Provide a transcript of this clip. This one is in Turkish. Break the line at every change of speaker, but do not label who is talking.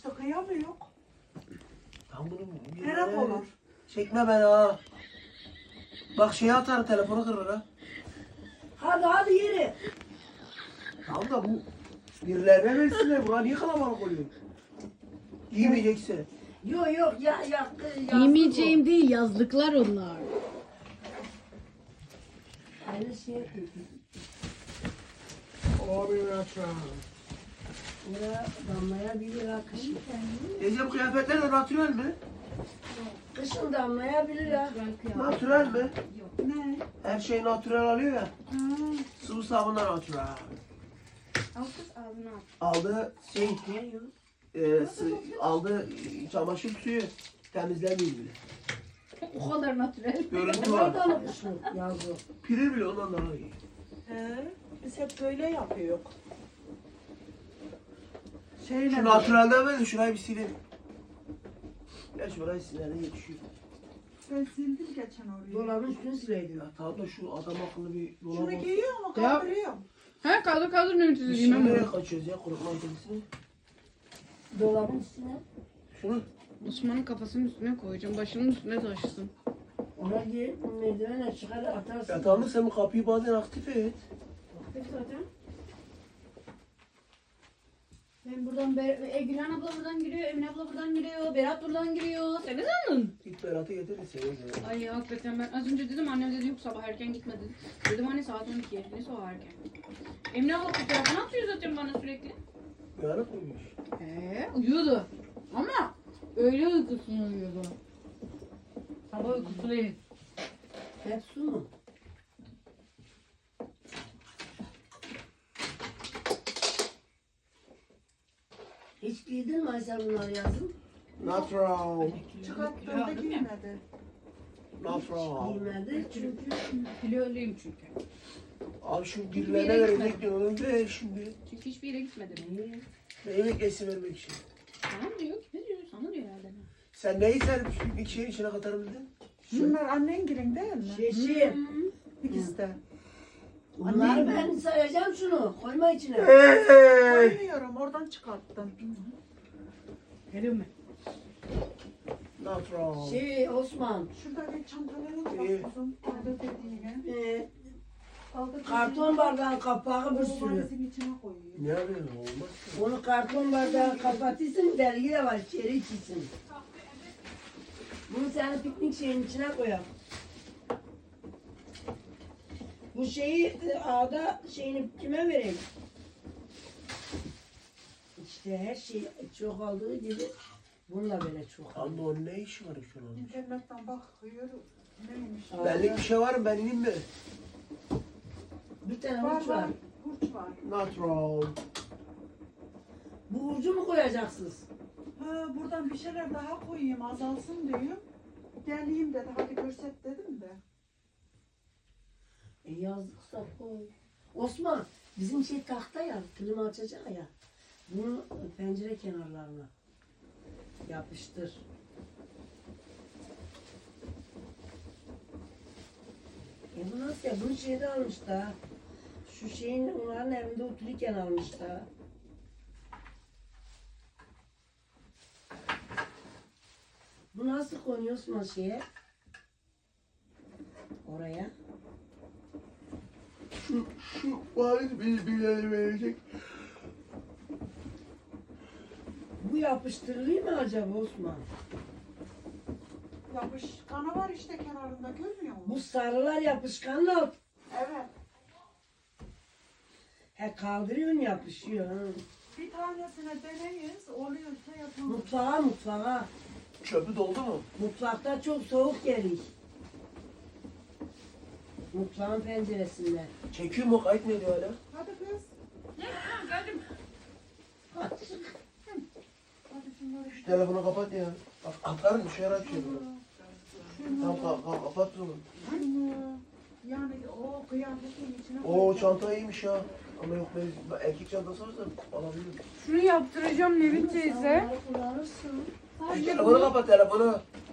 işte kıyamıyor.
Tam bunu
Merak olur.
Çekme beni ha. Bak şeye atar telefonu kırılır ha.
Hadi yürü.
Tamam da bu birilerine versinler. Buna niye kalabalık oluyor? Giymeyeceksin.
Yok ya yaktı.
Giymeyeceğim değil, yazlıklar onlar.
Aynı şey yapıyor.
Abi lütfen.
Ya damlayabilir ha kışın.
Teyze bu kıyafetler de natürel mi?
Kışın damlayabilir ha.
Natürel mi?
Ne?
Her şey natürel alıyor ya.
Ha.
Sıvı sabunlar natürel.
Al kız ağzına al.
Aldı şey,
Ne yok?
aldı çamaşır suyu temizlemiyor bile.
O kadar natürel.
Görüntü
Onlar
var.
da mı kışın yazıyor?
Piri bile ondan daha iyi.
Biz hep böyle yapıyoruz. Şeyle
Şu natürelden ver de şurayı bir silin. Ya şurayı silelim yetişiyor.
ben sildim geçen orayı.
Dolabın üstünü sileydim.
Ya tamam da şu adam akıllı bir dolap
Şunu
olsun.
giyiyor mu?
Ya.
Kaldırıyor.
Ha kaldır ne
Biz
müthiş
şimdi
giymem
nereye
bu.
kaçıyoruz ya kurutma ülkesine?
Dolabın üstüne.
Şunu.
Osman'ın kafasının üstüne koyacağım. Başının üstüne taşısın.
Ona gir merdivenle çıkar atarsın.
Ya tamam da sen bu kapıyı bazen aktif et.
Peki zaten. Ben buradan, Gülhan abla buradan giriyor, Emine abla buradan giriyor, Berat buradan giriyor. Sen ne sandın?
Git Berat'ı getir de seni gel.
Ay hakikaten ben az önce dedim, annem dedi yok sabah erken gitme dedi. Dedim anne saat 12. Neyse o erken. Emine abla fotoğrafını atıyor zaten bana sürekli.
Uyanık mıymış?
Uyuyordu. Ama öyle uykusunu uyuyordu. Sabah uykusu değil.
Hep su mu? Hiç giydin mi Aysel bunları yazın?
Natural.
Çıkarttığında giymedi.
Natural.
Giymedi çünkü
Kiloluyum çünkü.
Abi şu
bir
birilerine
yere
verecek diyorum ve şimdi
Çünkü hiçbir yere gitmedim.
niye?
yemek yesi vermek için.
Sana diyor ki ne diyor? Sana diyor herhalde.
Sen neyi sen bir şeyin içine katarım dedin?
Şunlar annen girin değil mi?
Şeşi.
İkisi de.
Bunları ben sayacağım şunu. Koyma içine.
Koymuyorum oradan çıkarttım.
Geliyor mu?
Natural.
Osman.
Şurada bir çantalara
İyi.
bak kuzum. Kaldır dediğine. Kaldır
Karton bardağın kapağı bir sürü.
valizin içine koyuyor.
Ne yapıyorsun? Olmaz ki.
Onu karton bardağı kapatırsın, dergi de var, içeri içilsin. Bunu senin piknik şeyin içine koyalım. Bu şeyi ağda şeyini kime vereyim? İşte her şey çok aldığı gibi bununla böyle çok
Anne
alıyor.
onun ne işi var şu an?
İnternetten bakıyor. Neymiş?
Belli bir şey var mı? Ben ineyim mi?
Bir tane
Var
uç var.
var. Burç var.
Natural.
Bu ucu mu koyacaksınız?
Ha, buradan bir şeyler daha koyayım azalsın diyor. Geleyim dedi hadi görset dedim de.
Yazdıksa koy. Osman, bizim şey tahta ya, klima açacak ya. Bunu pencere kenarlarına yapıştır. Bu nasıl ya? Bunu şeyde almış da. Şu şeyin onların evinde otururken almış da. Bu nasıl konuyor Osman şeye? Oraya.
Şu valiz bilgileri verecek.
Bu yapıştırılıyor mu acaba Osman?
Yapışkanı var işte kenarında görmüyor
Bu
musun?
sarılar yapışkanla
Evet.
he kaldırıyorsun yapışıyor. Ha.
Bir tanesine deneyiz. Oluyorsa yapalım.
Mutfağa.
Çöpü doldu mu?
Mutfakta çok soğuk gelir. Mutfağın penceresinden.
Çekiyor mu? Kayıt mı ediyor hala?
Hadi kız.
Geldim.
Hadi şunları.
Şu telefonu kapat ya. Bak atarım bir şeyler açıyor. Tamam kapat onu.
Şunu. Yani o kıyafetin içine
Oo
koyacağım.
çanta iyiymiş ya. Ama yok ben erkek çantası varsa alabilirim.
Şunu yaptıracağım Nevin teyze.
Onları kullanırsın.
Telefonu kapat telefonu.